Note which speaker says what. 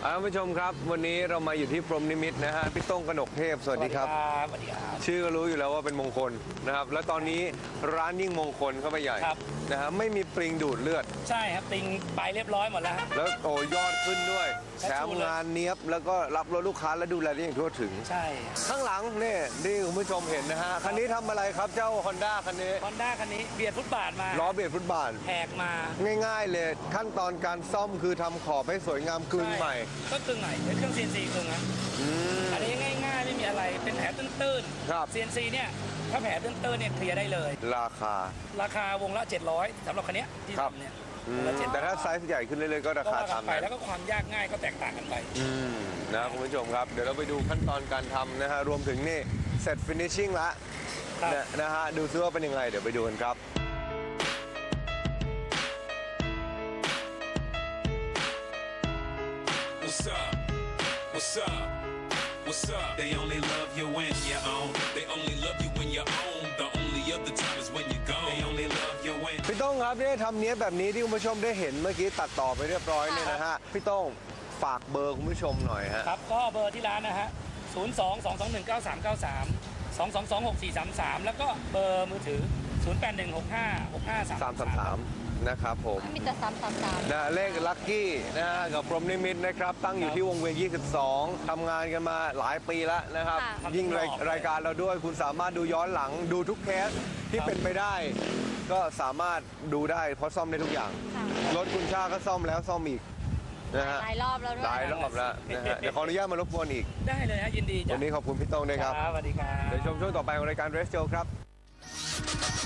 Speaker 1: ท่านผู้ชมครับวันนี้เรามาอยู่ที่พรหมนิมิตนะฮะพี่ต้งกนกเทพสวัสดีครับ
Speaker 2: สวัสดีครับ
Speaker 1: ชื่อก็รู้อยู่แล้วว่าเป็นมงคลนะครับและตอนนี้ร้านยิ่งมงคลเข้าไปใหญ่นะฮะไม่มีปริงดูดเลือด
Speaker 2: ใช่ครับติงไปเรียบร้อยหมดแล้ว
Speaker 1: แล้วโอ้ยอดขึ้นด้วยแถมงานเนี้ยบแล้วก็รับรถลูกค้าและดูแลได้อย่างทั่วถึง
Speaker 2: ใช่
Speaker 1: ข้างหลังนี่คุณผู้ชมเห็นนะฮะคันนี้ทำอะไรครับเจ้า Honda คันนี้
Speaker 2: เบียดฟุตบาทมา
Speaker 1: ล้อเบียดฟุตบาท
Speaker 2: แหกมา
Speaker 1: ง่ายๆเลยขั้นตอนการซ่อมคือทำขอบให้สวยงามกึ่งใหม่
Speaker 2: ก็กึ่งใหม่เป็นเครื่อง CNC กึ่งนะอันนี้ง่ายๆไม่มีอะไรเป็นแผลตื้นๆ CNC เนี่ยถ้าแผลตื้นๆเนี่ยเคลียร์ได้เลย
Speaker 1: ราค
Speaker 2: าวงละ700สำหรับคันนี้ที่ทำเนี่ย
Speaker 1: แต่ถ้าไซส์ใหญ่ขึ้นเรื่อยๆก็ราคาตาม
Speaker 2: ไปแล้วก็ความยากง่ายก็แตกต่างกันไป
Speaker 1: นะคุณผู้ชมครับเดี๋ยวเราไปดูขั้นตอนการทำนะฮะรวมถึงนี่เสร็จฟินิชชิ่งละนะฮะดูซิว่าเป็นยังไงเดี๋ยวไปดูกันครับ
Speaker 3: What's up? What's up? They only love you when you're on. They only love you when you're on. The only other time is when you're gone. They only love you when.
Speaker 1: พี่ต้งครับเนี่ยทำเนี้ยแบบนี้ที่คุณผู้ชมได้เห็นเมื่อกี้ตัดต่อไปเรียบร้อยเนี่ยนะฮะพี่ต้งฝากเบอร์คุณผู้ชมหน่อยฮะ
Speaker 2: ครับก็เบอร์ที่ร้านนะฮะ02-221-9393 แล้วก็เบอร์มือถือ0816565333
Speaker 1: นะครับผม
Speaker 4: มีแต่333
Speaker 1: นะเลขลัคกี้นะฮะกับพรหมนิมิตนะครับตั้งอยู่ที่วงเวียน22ทำงานกันมาหลายปีแล้วนะครับยิ่งรายการเราด้วยคุณสามารถดูย้อนหลังดูทุกเคสที่เป็นไปได้ก็สามารถดูได้เพราะซ่อมได้ทุกอย่างรถคุณชาก็ซ่อมแล้วซ่อมอีกนะฮะ
Speaker 4: หลายรอบแล้วด้วย
Speaker 1: หลายรอบแล้วนะฮะเดี๋ยวขออนุญาตมารบกวนอีก
Speaker 2: ได้เลยฮะยินดี
Speaker 1: วันนี้ขอบคุณพี่ต้งด้วยครับ
Speaker 2: สวัสดีครับ
Speaker 1: เดี๋ยวชมช่วงต่อไปของรายการ Race Show ครับ